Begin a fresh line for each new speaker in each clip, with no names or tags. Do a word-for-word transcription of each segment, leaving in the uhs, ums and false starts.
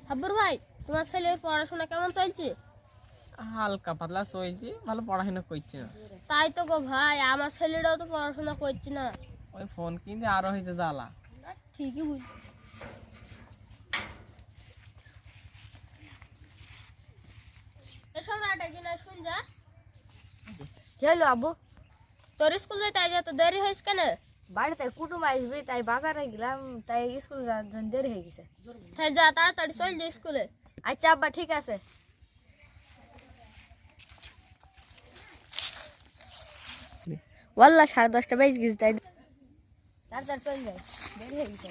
হাব্বুর ভাই, তোমার ছেলের পড়াশোনা কেমন চলছে?
হালকা পাতলা চলছে, ভালো পড়াশোনা করছে না।
তাই তো গো ভাই, আমার ছেলেটাও তো পড়াশোনা করছে না।
ওই ফোন কিনতে আরো হয়েছে জ্বালা।
ঠিকই বুঝ এসব রাটা কিনা শুন যা।
খেলো আব্বু,
তোর স্কুল যাইতে আজ এত দেরি হয়েছে কেন?
বাড়িতে কুটুম আসবে তাই বাজারে গেলাম, তাই স্কুল যাওয়ার জন্য দেরি হয়ে গেছে।
তাই যা তাড়াতাড়ি চল যা স্কুলে।
আচ্ছা আব্বা, ঠিক আছে। ওয়াল্লা সাড়ে দশটা বেজে গেছে, তাই তাড়াতাড়ি চল যাই, দেরি হয়ে গেছে।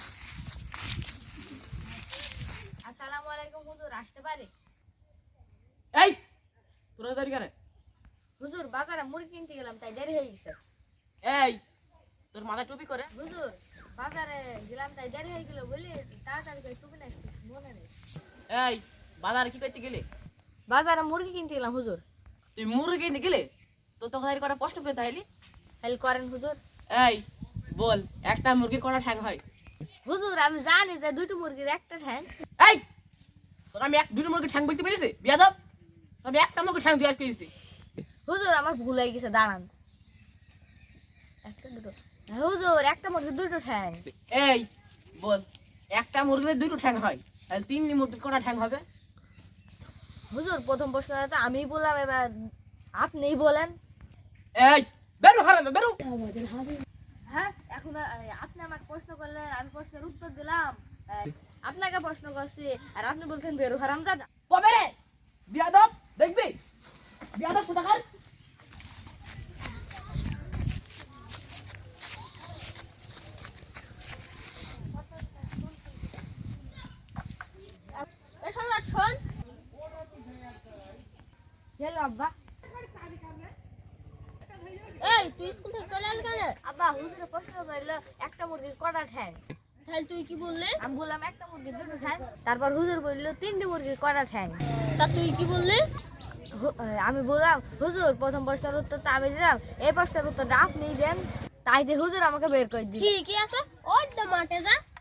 আসসালামু আলাইকুম হুজুর, আসতে পারি?
এই তোরা দেরি করে?
হুজুর বাজারে মুরগি কিনতে গেলাম, তাই দেরি হয়ে গেছে।
এই তোর মাথায় টুপি করে?
হুজুর বাজারে গেলাম, তাই দেরি হয়ে গেল বলি তাড়াতাড়ি করে টুপি না মনে নেই।
এই বাজারে কি করতে গেলে?
বাজারে মুরগি কিনতে গেলাম হুজুর।
তুই মুরগি কিনতে গেলে তো তোকে দেরি করা প্রশ্ন করে তাইলি?
তাহলে করেন হুজুর।
এই বল, একটা মুরগির কটা ঠ্যাং হয়?
হুজুর আমি জানি যে দুটো মুরগির একটা ঠ্যাং।
এই তোর আমি এক দুটো মুরগি ঠ্যাং বলতে পেরেছি বিয়াদব? আমি একটা মুরগি ঠ্যাং দিয়ে পেরেছি।
হুজুর আমার ভুল হয়ে গেছে, দাঁড়ান। একটা দুটো হুজুর, একটা মুরগির দুটো ঠ্যাং।
এই বল, একটা মুরগির দুটো ঠ্যাং হয়, তাহলে তিন মুরগির কটা ঠ্যাং হবে?
হুজুর প্রথম প্রশ্নটা তো আমিই বললাম, এবার আপনিই বলেন।
এই বেরো হারামে বেরো।
হ্যাঁ, এখন আহ, আপনি আমাকে প্রশ্ন করলেন, আমি প্রশ্নের উত্তর দিলাম। আহ, আপনাকে প্রশ্ন করছি আর আপনি বলছেন বেরু হারামজাদা।
কবে রে বিয়াদব? দেখবি বিয়াদব কোথাকার?
এসব রাট শোন।
গেলো আব্বা।
এই তুই স্কুল থেকে চলে এলি কেন?
আব্বা হুজুরে প্রশ্ন করলো একটা মুরগির কটা ঠ্যাং।
তাহলে তুই কি বললি?
আমি বললাম একটা মুরগির দুটো ঠ্যাং। তারপর হুজুর বললো তিনটে মুরগির কটা ঠ্যাং।
তা তুই কি বললি?
হু- আমি বললাম হুজুর প্রথম প্রশ্নের উত্তর তো আমি দিলাম, এই প্রশ্নের উত্তরটা আপনিই দেন। তাই দিয়ে হুজুর আমাকে বের করে দিল।
ঠিকই আছে, ওই তো মাঠে যা।